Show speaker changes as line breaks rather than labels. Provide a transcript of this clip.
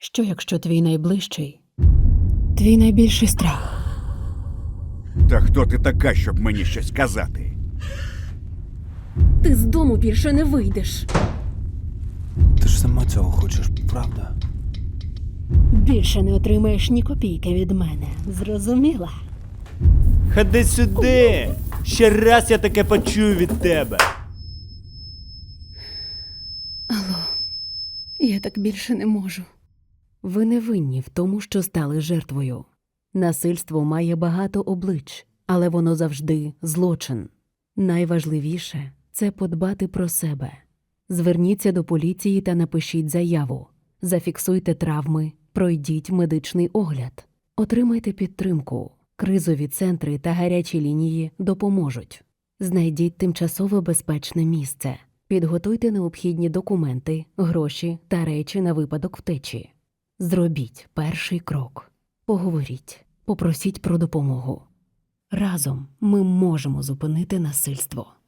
Що якщо твій найближчий, твій найбільший страх?
Та хто ти така, щоб мені щось казати?
Ти з дому більше не вийдеш.
Ти ж сама цього хочеш, правда?
Більше не отримаєш ні копійки від мене. Зрозуміла?
Ходи сюди! Ще раз я таке почую від тебе.
Я так більше не можу. Ви не винні в тому, що стали жертвою. Насильство має багато облич, але воно завжди злочин. Найважливіше – це подбати про себе. Зверніться до поліції та напишіть заяву. Зафіксуйте травми, пройдіть медичний огляд. Отримайте підтримку. Кризові центри та гарячі лінії допоможуть. Знайдіть тимчасово безпечне місце. Підготуйте необхідні документи, гроші та речі на випадок втечі. Зробіть перший крок. Поговоріть, попросіть про допомогу. Разом ми можемо зупинити насильство.